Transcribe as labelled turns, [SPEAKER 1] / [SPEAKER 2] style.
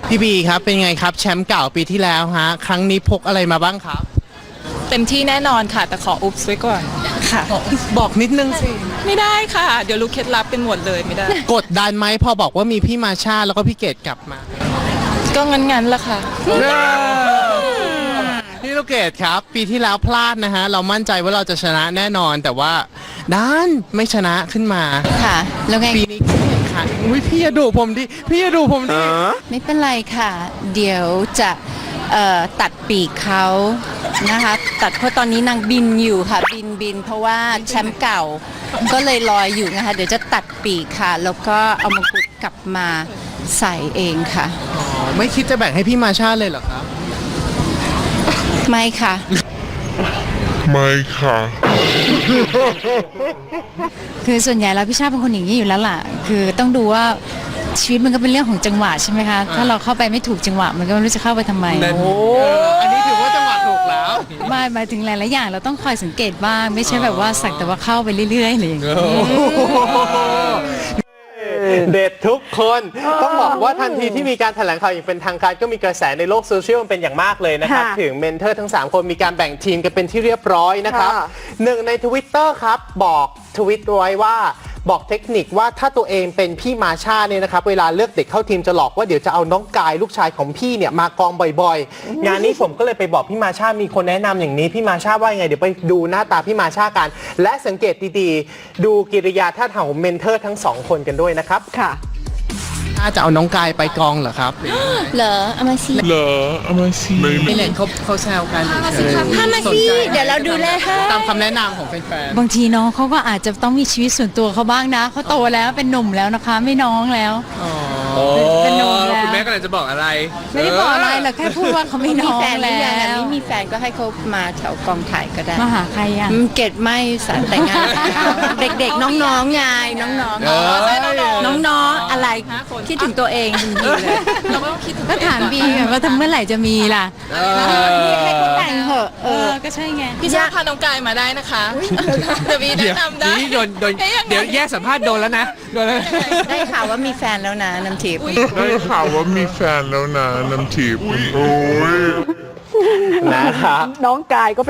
[SPEAKER 1] พี่บีครับเป็นไงครับแชมป์เก่าปีที่แล้วฮะครั้งนี้พกอะไรมาบ้างครับ
[SPEAKER 2] เต็มที่แน่นอนค่ะ แต่ขออุ๊บไว้ก่อนค่ะ
[SPEAKER 1] บอกนิดนึงสิ
[SPEAKER 2] ไม่ได้ค่ะ เดี๋ยวรู้เคล็ดลับเป็นหมดเลยไม่ได้
[SPEAKER 1] กดดันไหมพอบอกว่ามีพี่มาชาแล้วก็พี่เกดกลับมา
[SPEAKER 2] ก็งั้นๆละค่ะ
[SPEAKER 1] พี่ลูกเกดครับปีที่แล้วพลาดนะฮะเรามั่นใจว่าเราจะชนะแน่นอนแต่ว่าด้านไม่ชนะขึ้นมา
[SPEAKER 3] ค่ะ แล้วไง
[SPEAKER 1] ปีนี้แข่งขันอุ้ยพี่อย่าดุผมดิพี่อย่าดุผมดิ
[SPEAKER 3] ไม่เป็นไรค่ะ เดี๋ยวจะตัดปีกเขานะคะตัดเพราะตอนนี้นางบินอยู่ค่ะบินเพราะว่าแชมป์เก่าก็เลยลอยอยู่นะคะเดี๋ยวจะตัดปีกค่ะ แล้วก็เอามงกุฎกลับมาใส่เองค่ะ
[SPEAKER 1] อ๋อไม่คิดจะแบ่งให้พี่มาชาเลยเหรอครับ
[SPEAKER 3] ไม่ค่ะ
[SPEAKER 4] ไม่ค่ะ
[SPEAKER 3] คือส่วนใหญ่แล้วพี่ชาติเป็นคนอย่างนี้อยู่แล้วล่ะ คือต้องดูว่าชีวิตมันก็เป็นเรื่องของจังหวะใช่ไหมคะ ถ้าเราเข้าไปไม่ถูกจังหวะมันก็ไม่รู้จะเข้าไปทำไม
[SPEAKER 1] โอ้อันนี้ถือว่าจังหวะถูกแล้ว
[SPEAKER 3] ไม่หมายถึงหลายๆอย่างเราต้องคอยสังเกตบ้างไม่ใช่แบบว่าสักแต่ว่าเข้าไปเรื่อยๆอะไรอย่างเงี้ย
[SPEAKER 1] เด็ดทุกคนต้องบอกว่าทันทีที่มีการแถลงข่าวอย่างเป็นทางการก็มีกระแสในโลกโซเชียลมันเป็นอย่างมากเลยนะครับ
[SPEAKER 5] ค่ะ
[SPEAKER 1] ถึงเมนเทอร์ทั้ง 3 คนมีการแบ่งทีมกันเป็นที่เรียบร้อยนะครับ
[SPEAKER 5] ค่ะ
[SPEAKER 1] หนึ่งใน Twitter ครับบอกทวิตไว้ว่าบอกเทคนิคว่าถ้าตัวเองเป็นพี่มาชาเนี่ยนะครับเวลาเลือกเด็กเข้าทีมจะหลอกว่าเดี๋ยวจะเอาน้องกายลูกชายของพี่เนี่ยมากองบ่อยๆ งานนี้ผมก็เลยไปบอกพี่มาชามีคนแนะนำอย่างนี้พี่มาชาว่ายังไงเดี๋ยวไปดูหน้าตาพี่มาชากัน และสังเกตดีๆดูกิริยาท่าทางของเมนเทอร์ทั้งสองคนกันด้วยนะครับ
[SPEAKER 5] ค่ะ
[SPEAKER 1] ถ้าจะเอาน้องกายไปกองเหรอครับ
[SPEAKER 3] เหรอเอามาสิ
[SPEAKER 4] เหรอเอามาสิ
[SPEAKER 1] ไม่เห็นเขาแซวกัน
[SPEAKER 3] พามาสิเดี๋ยวเราดูแลให้
[SPEAKER 1] ตามคำแนะนำของแฟน
[SPEAKER 3] บางทีน้องเขาก็อาจจะต้องมีชีวิตส่วนตัวเขาบ้างนะเขาโตแล้วเป็นหนุ่มแล้วนะคะ ไม่น้องแล้วเป็นหนุ่มแล้ว
[SPEAKER 1] คุณแม่กำลังจะบอกอะไร
[SPEAKER 3] ไม่ได้บอกอะไรเราแค่พูดว่าเขาไม่น้อง
[SPEAKER 6] มีแฟนหรือ
[SPEAKER 3] แล้
[SPEAKER 6] ยังอะ
[SPEAKER 3] ว
[SPEAKER 6] ไม่มีแฟนก็ให้เขามาแถวกองถ่ายก็ได้
[SPEAKER 3] มาหาใครอ่ะ
[SPEAKER 6] เกดไม่สารแต่งงานแล้วเด็กๆ น้องๆไงน้องๆน้องๆอะไรคิดถึงตัวเองจริงๆเลย
[SPEAKER 2] เราไม่ต้องคิดถึง
[SPEAKER 3] ก็ถามบีไงว่าทำเมื่อไหร่จะมีล่ะ
[SPEAKER 6] ให้เขาแต่งเหอะ
[SPEAKER 3] ก็ใช่ไง
[SPEAKER 2] พี่ชาติพาน้องกายมาได้นะคะเดี๋ยววีแนะนำได้
[SPEAKER 1] นี่โดนเดี๋ยวแยกสัมภาษณ์โดนแล้วนะโดนแล้ว
[SPEAKER 6] ได้ข่าวว่ามีแฟนแล้วนะน้ำทิพย์
[SPEAKER 4] ได้ข่าวว่ามีแฟนแล้วนะน้ำทิพย์โอ้ย
[SPEAKER 1] นะครับ
[SPEAKER 5] น้องกายก็